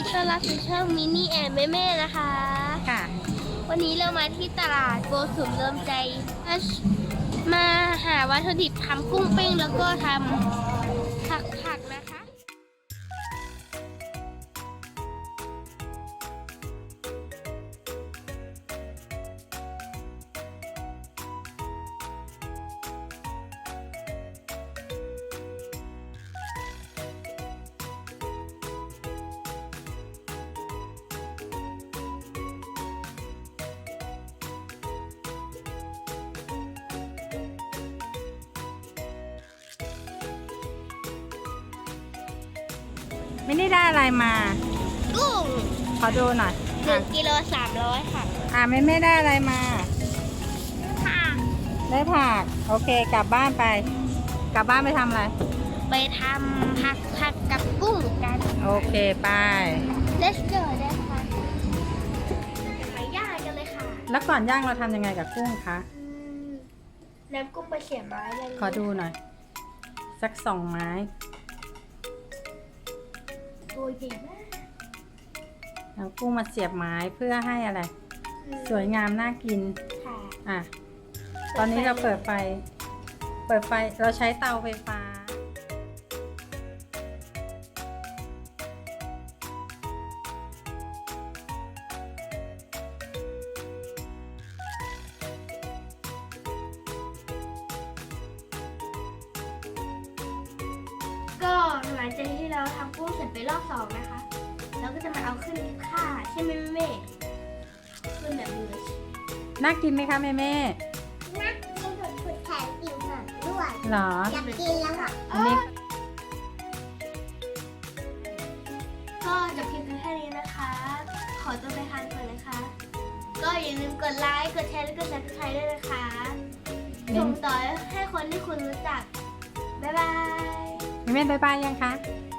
ต้อนรับสู่ช่องมินี่แอนแม่ๆนะคะค่ะวันนี้เรามาที่ตลาดโกสุมเริ่มใจมาหาวัตถุดิบทำกุ้งเป้งแล้วก็ทำผักนะคะไม่ได้อะไรมากุ้งขอดูหน่อย 1 กิโล 300ค่ะไม่ได้อะไรมาค่ะได้ผักโอเคกลับบ้านไป กลับบ้านไปทำอะไรไปทำผักกับกุ้งกันโอเคไป Let's go นะคะไปย่างกันเลยค่ะแล้วก่อนย่างเราทำยังไงกับกุ้งคะน้ำกุ้งไปเสียบไม้เลยขอดูหน่อย สัก2 ไม้ตัวใหญ่มากเอากุ้งมาเสียบไม้เพื่อให้อะไร สวยงามน่ากินค่ะอ่ะตอนนี้เราเปิดไฟเราใช้เตาไฟฟ้าก็หลังจากที่เราทำกุ้งเสร็จไปรอบ2นะคะ เราก็จะมาเอาขึ้นค่าใช่ไหมแม่ขึ้นแบบมืออาชีพน่ากินไหมคะแม่นักกินสุดๆแถมอิ่มหนำด้วยเหรออยากกินแล้วค่ะอันนี้ก็จบคลิปแค่นี้นะคะ ขอตัวไปทานก่อนนะคะ ก็อย่าลืมกดไลค์ กดแชร์ และกด subscribe ด้วยนะคะส่งต่อให้คนที่คุณรู้จัก บ๊ายบายแม่บ๊ายบายยังคะบ